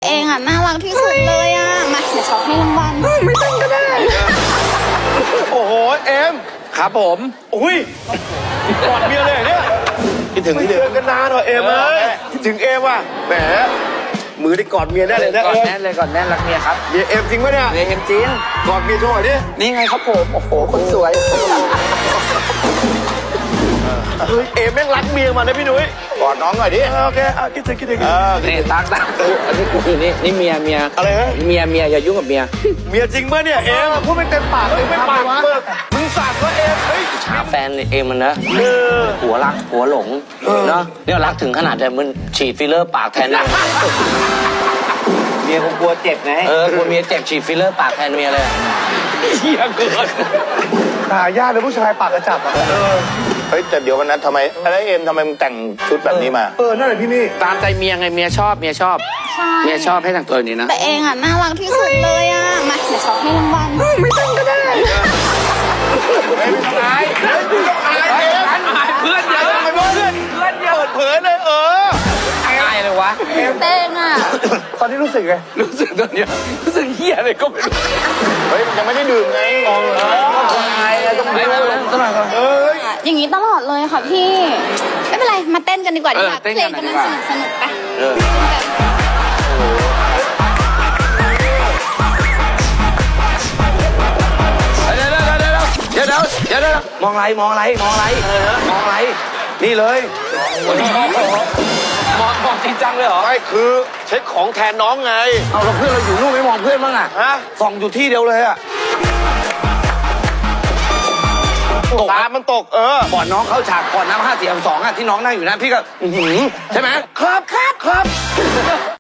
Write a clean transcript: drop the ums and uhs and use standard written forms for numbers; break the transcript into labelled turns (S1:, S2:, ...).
S1: เองอ่ะน่ารักที่สุดเลยอ่ะมาเดี๋ยวขอให้รางวัลไม่ต้องก็ได้
S2: โอ้โหเอ็ม
S3: ครับผม
S2: อุ้ยกอดเมียเลยเนี่ย
S3: คิดถึง
S2: ไม่
S3: ที่
S2: เจ
S3: เดิ
S2: อ
S3: ม
S2: กันนานเหรอเอ็มเอ้ยคิดถึงเอ็มว่ะแหมมือได้กอดเมียได้เลยนะ
S3: ก่อน
S2: เอ็ม
S3: แน่นเลยก่อนแน่นรักเมียครับ
S2: เมียเอ็มจริงปะเนี่ย
S3: เมียเอ็มจริง
S2: กอดเมียโชว์หน่อยดิ
S3: นี่ไงครับผมโอ้โหคนสวย
S2: เฮ้ยเอ็มแม่งรักเมียมันนะพี่นุ้ย
S3: กอดน้องหน่อยดิ
S2: โอเคคิดถึง
S3: นี่ตั้งอันนี้กูนี่เมีย
S2: อะไรฮะ
S3: เมียอย่ายุ่งกับเมีย
S2: เมียจริงปะเนี่ยเอ็มพูดไม่เต็มปากเลยไม่ปากเบิกมึงสั่งว่าเอ็มเฮ้ย
S3: หาแฟนเองมันนะหัวรักหัวหลงเนาะเนี่ยรักถึงขนาดแต่มันฉีดฟิลเลอร์ปากแทนเลย
S4: เมียคงกลัวเจ็บไง
S3: กลัวเมียเจ็บฉีดฟิลเลอร์ปากแทนเมียเลยเฮียเกิน
S2: หายากเลยผู้ชายปากกระจับอ่ะ
S5: เฮ้ยแต่เดี๋ยววันนั้นทำไมอะไรเอ็มทำไมมึงแต่งชุดแบบนี้มา
S2: นั่นแหละพี่นี่
S3: ตามใจเมียไงเมียชอบ
S1: ใช่
S3: เมียชอบให้แต่งตัวอย่างนี้นะ
S1: แต่เองอ่ะน่ารักที่สุดเลยอ่ะมาเดี๋ยวขอให้รางวัลไม่ต้องก็ได้
S3: อายเพื่อนเยอะ
S2: ทำไมเพื่อนเปิดเผยเลย
S3: อายเลยวะ
S1: เต้งอ่ะ
S2: ตอนนี้รู้สึกไง
S3: รู้สึกตอนเนี้ยรู้สึกเฮียอะไรก็ไม่รู้
S5: เฮ้ยมันยังไม่ได้ดื่มไง
S3: อายเลยต้องไปต้องไป
S1: อย่างนี้ตลอดเลยค่ะพี่ไม่เป็นไรมาเต้นกันดีกว่าดีกว่า
S3: เต้น
S1: เพล
S3: กั
S1: ง
S3: น
S1: กำ
S3: ดี
S1: ลัง
S3: กว่า
S1: สนุกไปเต้นกัน
S3: เดี๋ยวมองอะไรนี่เลยมองจริงจังเลยเหรอ
S2: ไม่คือเช็คของแทนน้องไง
S3: เอาเราเพื่อนเราอยู่นู่นไม่มองเพื่อนบ้างอ่ะ
S2: ฮะ
S3: ส่องอยู่ที่เดียวเลยอ่ะ
S2: ตามันตก
S3: ก่อนน้องเข้าฉากก่อนน้ำ5 4 2อ่ะที่น้องนั่งอยู่นะพี่ก็ใช่ไหม
S2: ครับ